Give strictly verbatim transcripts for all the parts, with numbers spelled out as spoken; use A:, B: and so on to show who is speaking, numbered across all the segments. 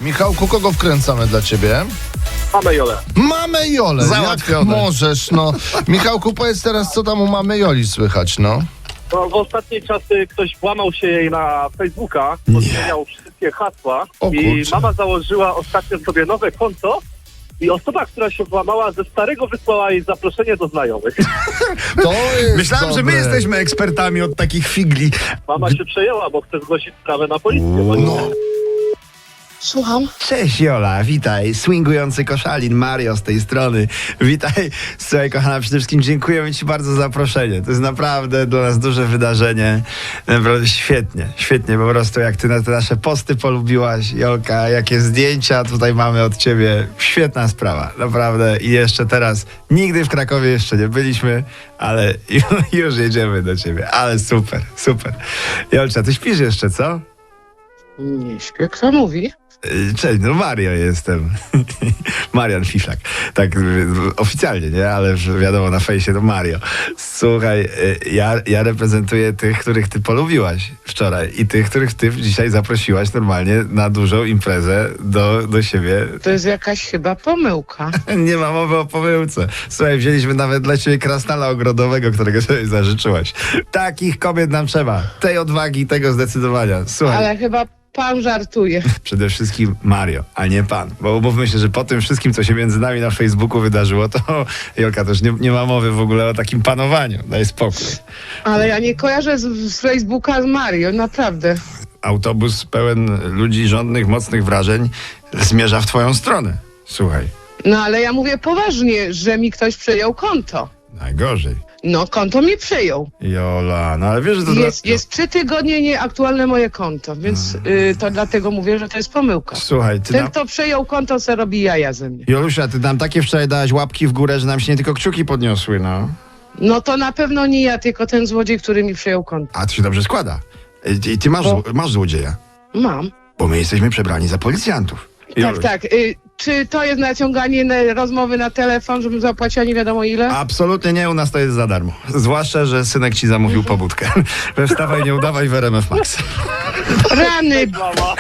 A: Michałku, kogo wkręcamy dla ciebie?
B: Mamy Jolę.
A: Mamy Jolę,
C: Załatwione.
A: jak możesz, no. Michałku, powiedz teraz, co tam u mamy Joli słychać, no.
B: No, w ostatniej czasy ktoś włamał się jej na Facebooka, pozmieniał wszystkie hasła
A: O
B: i
A: kurczę.
B: mama założyła ostatnio sobie nowe konto i osoba, która się włamała, ze starego wysłała jej zaproszenie do znajomych.
A: To jest
C: Myślałem, że my
A: dobre.
C: jesteśmy ekspertami od takich figli.
B: Mama się przejęła, bo chce zgłosić sprawę na policję. Bo
A: No.
D: Słucham.
C: Cześć Jola, witaj. Swingujący koszalin, Mario z tej strony. Witaj. Słuchaj kochana, przede wszystkim dziękujemy ci bardzo za zaproszenie. To jest naprawdę dla nas duże wydarzenie. Naprawdę świetnie, świetnie po prostu jak ty na te nasze posty polubiłaś, Jolka, jakie zdjęcia tutaj mamy od ciebie. Świetna sprawa, naprawdę. I jeszcze teraz, nigdy w Krakowie jeszcze nie byliśmy, ale już jedziemy do ciebie. Ale super, super. Jolcia, ty śpisz jeszcze, co?
D: Nie śpię, kto mówi?
C: Cześć, no Mario jestem. Marian Fiflak. Tak y, oficjalnie, nie? Ale że wiadomo, na fejsie to Mario. Słuchaj, y, ja, ja reprezentuję tych, których ty polubiłaś wczoraj i tych, których ty dzisiaj zaprosiłaś normalnie na dużą imprezę do, do siebie.
D: To jest jakaś chyba pomyłka.
C: Nie ma mowy o pomyłce. Słuchaj, wzięliśmy nawet dla ciebie krasnala ogrodowego, którego sobie zażyczyłaś. Takich kobiet nam trzeba. Tej odwagi, tego zdecydowania. Słuchaj.
D: Ale chyba pan żartuje.
C: Przede wszystkim Mario, a nie pan. Bo umówmy się, że po tym wszystkim, co się między nami na Facebooku wydarzyło, to Jolka też nie, nie ma mowy w ogóle o takim panowaniu. Daj spokój.
D: Ale ja nie kojarzę z, z Facebooka z Mario, naprawdę.
C: Autobus pełen ludzi żądnych, mocnych wrażeń zmierza w twoją stronę. Słuchaj,
D: No ale ja mówię poważnie, że mi ktoś przejął konto.
C: najgorzej.
D: No, konto mi przejął.
C: Jola, no ale wiesz, że to...
D: Jest,
C: dla...
D: jest trzy tygodnie nieaktualne moje konto, więc y, to dlatego mówię, że to jest pomyłka.
C: Słuchaj, ty
D: Ten,
C: nam...
D: kto przejął konto, se robi jaja ze mnie.
C: Jolusia, ty nam takie wczoraj dałaś łapki w górę, że nam się nie tylko kciuki podniosły, no.
D: No to na pewno nie ja, tylko ten złodziej, który mi przejął konto.
C: A to się dobrze składa. I, i ty masz,
D: Bo-
C: zło- masz złodzieja,
D: Mam.
C: bo my jesteśmy przebrani za policjantów.
D: Tak,
C: Joluś.
D: tak. Y, czy to jest naciąganie na rozmowy na telefon, żebym zapłaciła nie wiadomo ile?
C: Absolutnie nie, u nas to jest za darmo. Zwłaszcza, że synek ci zamówił pobudkę. We wstawaj, nie udawaj w R M F Max.
D: Rany,
B: mama,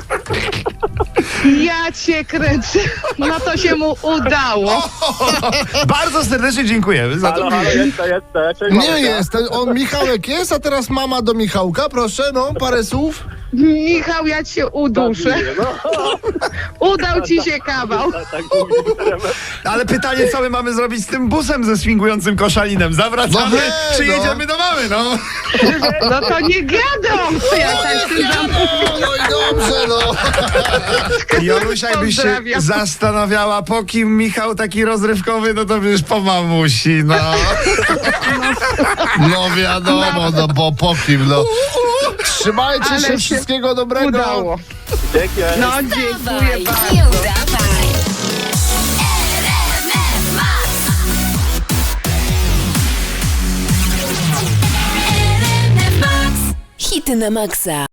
D: ja cię kręcę. No to się mu udało.
C: Bardzo serdecznie dziękujemy za to.
B: halo, halo, jeszcze, jeszcze. Cześć,
A: Nie
B: Marysia.
A: jest, ten- on Michałek jest, a teraz mama do Michałka, proszę, no, parę słów.
D: Michał, ja cię uduszę.
B: No,
D: Udał ci się kawał.
B: tak, tak mówimy.
C: Ale pytanie, co my mamy zrobić z tym busem ze swingującym koszalinem? Zawracamy,
A: No hej,
C: czy
A: no.
C: jedziemy do mamy, no?
D: No to nie gadą. Ja tak z tym zam...
A: No i dobrze, no.
C: Jolusia, jakbyś się
D: Pozdrawiam.
C: zastanawiała, po kim Michał taki rozrywkowy, no to przecież po mamusi, no.
A: No wiadomo, no bo po kim, no. Trzymajcie
D: Ale
A: się,
D: się
A: wszystkiego dobrego.
D: Udało.
B: Dzięki.
D: No dziękuję
E: Dawaj,
D: bardzo.
E: nie udawaj. R M F Max. R M F Max. Hity na maksa.